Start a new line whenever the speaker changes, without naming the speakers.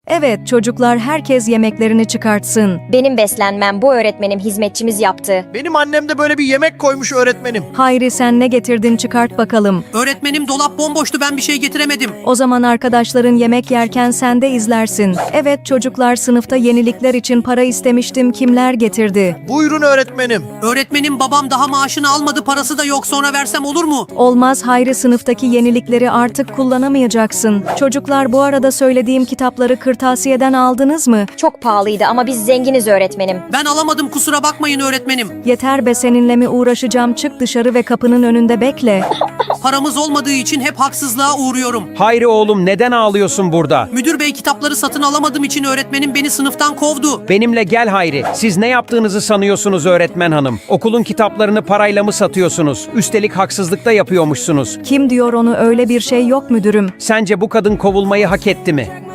Evet çocuklar, herkes yemeklerini çıkartsın.
Benim beslenmem bu öğretmenim hizmetçimiz yaptı.
Benim annem de böyle bir yemek koymuş öğretmenim.
Hayri, sen ne getirdin, çıkart bakalım.
Öğretmenim dolap bomboştu, ben bir şey getiremedim.
O zaman arkadaşların yemek yerken sen de izlersin. Evet çocuklar, sınıfta yenilikler için para istemiştim. Kimler getirdi?
Buyurun öğretmenim.
Öğretmenim babam daha maaşını almadı, parası da yok, sonra versem olur mu?
Olmaz Hayri, sınıftaki yenilikleri artık kullanamayacaksın. Çocuklar, bu arada söylediğim kitapları kırtasiyeden aldınız mı?
Çok pahalıydı ama biz zenginiz öğretmenim.
Ben alamadım, kusura bakmayın öğretmenim.
Yeter be, seninle mi uğraşacağım? Çık dışarı ve kapının önünde bekle.
Paramız olmadığı için hep haksızlığa uğruyorum.
Hayri oğlum, neden ağlıyorsun burada?
Müdür bey, kitapları satın alamadığım için öğretmenim beni sınıftan kovdu.
Benimle gel Hayri. Siz ne yaptığınızı sanıyorsunuz öğretmen hanım? Okulun kitaplarını parayla mı satıyorsunuz? Üstelik haksızlık da yapıyormuşsunuz.
Kim diyor onu? Öyle bir şey yok müdürüm.
Sence bu kadın kovulmayı hak etti mi?